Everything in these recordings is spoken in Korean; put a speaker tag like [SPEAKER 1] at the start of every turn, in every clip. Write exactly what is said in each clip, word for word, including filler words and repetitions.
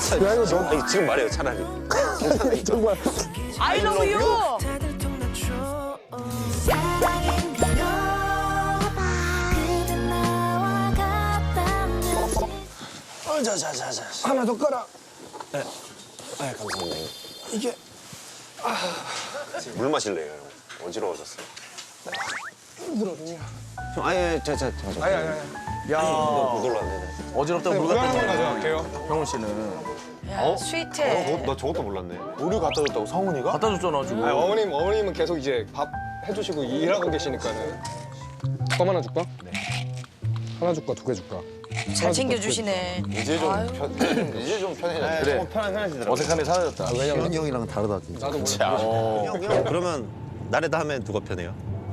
[SPEAKER 1] 야 이거 너 아니, 지금 말해요 차라리.
[SPEAKER 2] 정말.
[SPEAKER 3] I love you.
[SPEAKER 1] 어, 자자자자.
[SPEAKER 2] 하나 더 깔아.
[SPEAKER 1] 네. 아 감사합니다.
[SPEAKER 2] 이게
[SPEAKER 1] 물 마실래요? 형? 어지러워졌어요.
[SPEAKER 2] 힘들거든요.
[SPEAKER 1] 좀 아예 자자 자.
[SPEAKER 2] 아니 아니 아니.
[SPEAKER 4] 야,
[SPEAKER 1] 못 올랐네.
[SPEAKER 4] 어지럽다고 물
[SPEAKER 2] 물
[SPEAKER 4] 갖다
[SPEAKER 2] 한번
[SPEAKER 4] 줬네.
[SPEAKER 2] 가져갈게요.
[SPEAKER 4] 형훈 씨는.
[SPEAKER 3] 야, 스윗해.
[SPEAKER 1] 나 저것도 몰랐네.
[SPEAKER 5] 우유 갖다 줬다고 성훈이가?
[SPEAKER 4] 갖다 줬잖아, 지금.
[SPEAKER 2] 아니, 어머님 어머님은 계속 이제 밥 해주시고 일하고 계시니까는. 껌 하나 줄까? 네. 하나 줄까 두 개 줄까?
[SPEAKER 3] 잘 챙겨주시네.
[SPEAKER 5] 이제 좀
[SPEAKER 3] 아유.
[SPEAKER 5] 편, 이제 좀 편해졌네.
[SPEAKER 4] 그래.
[SPEAKER 1] 편한 편하시더라고.
[SPEAKER 4] 어색함이 사라졌다.
[SPEAKER 2] 왜냐면
[SPEAKER 6] 형이랑 다르다 진짜.
[SPEAKER 2] 나도 모르겠어.
[SPEAKER 1] 형, 형 그러면 나래 다음엔 누가 편해요?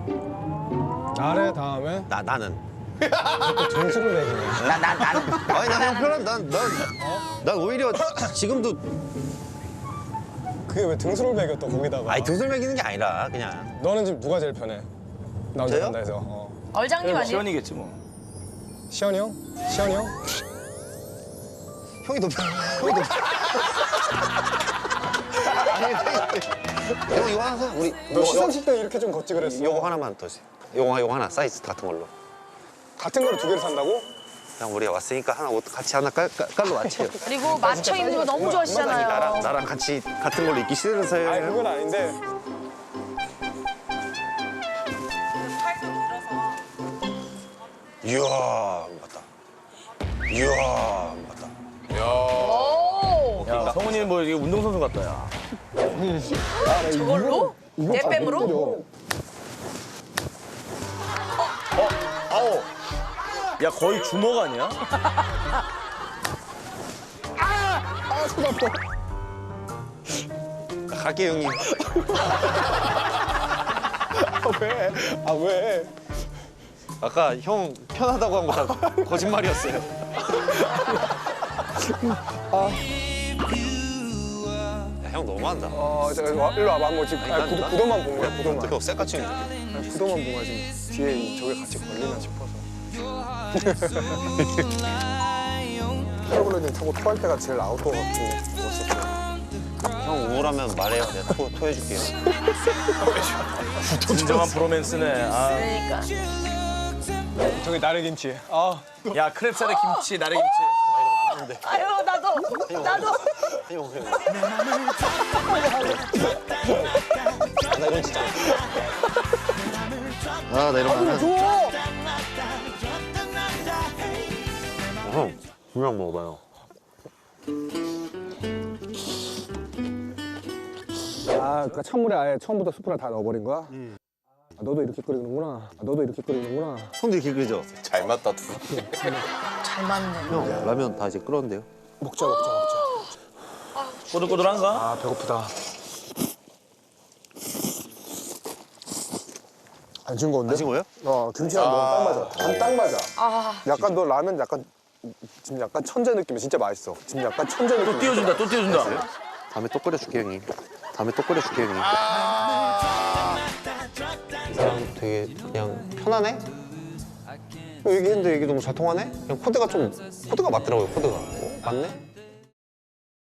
[SPEAKER 2] 나래 다음에
[SPEAKER 1] 나 나는.
[SPEAKER 2] 등수를 매기네.
[SPEAKER 3] 나, 나, 나는.
[SPEAKER 1] 아니 나형 편한 난난 난 오히려 지금도
[SPEAKER 2] 그게 왜 등수를 매겨 또 거기다가?
[SPEAKER 1] 아니 등술 매기는 게 아니라 그냥
[SPEAKER 2] 너는 지금 누가 제일 편해? 나 혼자
[SPEAKER 1] 저요?
[SPEAKER 2] 간다 해서. 어.
[SPEAKER 3] 얼장님 아니에요?
[SPEAKER 4] 시원이겠지 뭐.
[SPEAKER 2] 시현이 형? 시현이 형?
[SPEAKER 1] 형이 더 편. 형이 더. 아니 형 이거 하나 사. 우리
[SPEAKER 2] 너 시상식 때 이렇게 좀 걷지 그랬어.
[SPEAKER 1] 요거 하나만 더 줘. 요거 요거 하나 사이즈 같은 걸로.
[SPEAKER 2] 같은 거를 두 개를 산다고?
[SPEAKER 1] 그냥 우리가 왔으니까 하나 옷 같이 하나 깔, 깔, 깔로 맞춰요.
[SPEAKER 3] 그리고 맞춰 입는 거 너무
[SPEAKER 1] 나랑
[SPEAKER 3] 좋아하시잖아요.
[SPEAKER 1] 나랑 같이 같은 걸로 입기 싫으세요?
[SPEAKER 2] 아니 그건 아닌데.
[SPEAKER 1] 이야 맞다. 이야 맞다.
[SPEAKER 3] 오,
[SPEAKER 4] 야, 성훈이 뭐 이게 운동선수 같다, 야.
[SPEAKER 3] 저걸로? 내뺨으로?
[SPEAKER 4] 아우. 야, 거의 주먹 아니야?
[SPEAKER 2] 아 손 아파.
[SPEAKER 1] 갈게 형님.
[SPEAKER 2] 아 왜? 아 왜?
[SPEAKER 1] 아까 형 편하다고 한 거 다 거짓말이었어요. 야, 형 너무한다.
[SPEAKER 2] 어, 저, 와, 일로 와봐. 한번 지금 아니, 구도, 구도만 본 거야, 구도만.
[SPEAKER 1] 어떻게 쎄까치 이렇게.
[SPEAKER 2] 아니, 구도만 본 거야, 지금. 뒤에 이, 저게 같이 걸리나 싶어서. 패러글라이딩 타고 토할 때가 제일 아웃도어 같고 멋있었어.
[SPEAKER 1] 형 우울하면 말해요. 내가 토, 토해줄게요.
[SPEAKER 4] 진정한 브로맨스네. 아.
[SPEAKER 3] 그러니까.
[SPEAKER 2] 저기 나래김치. 아,
[SPEAKER 4] 야, 크랩살에 김치, 나래김치.
[SPEAKER 3] 아유, 나도. 나도.
[SPEAKER 1] 형, 형. 아, 나 이건 진짜. 아, 나 이런 거 안 해. 형, 그냥 먹어봐요.
[SPEAKER 2] 아, 그러니까 찬물에 아예 처음부터 스프를 다 넣어버린 거야? 아, 너도 이렇게 끓이는구나. 아, 너도 이렇게 끓이는구나.
[SPEAKER 1] 손도 이렇게 끓죠?
[SPEAKER 5] 잘 맞다, 두.
[SPEAKER 3] 잘 맞네.
[SPEAKER 1] 형, 라면 다 이제 끓었는데요?
[SPEAKER 2] 먹자, 먹자, 먹자.
[SPEAKER 4] 꼬들꼬들한가?
[SPEAKER 2] 아, 배고프다. 안 진 건데?
[SPEAKER 1] 안 진 거예요?
[SPEAKER 2] 어, 김치랑 먹으면 딱 맞아. 간 딱 맞아.
[SPEAKER 3] 아,
[SPEAKER 2] 약간 너 라면 약간 지금 약간 천재 느낌이 진짜 맛있어. 지금 약간 천재 느낌.
[SPEAKER 4] 또 띄워준다, 또 띄워준다.
[SPEAKER 1] 다음에 또 끓여줄게, 형님. 다음에 또 끓여줄게, 형님. 이 사람 되게 그냥 편하네? 얘기했는데 얘기 너무 잘 통하네? 그냥 코드가 좀, 코드가 맞더라고요, 코드가. 어, 맞네?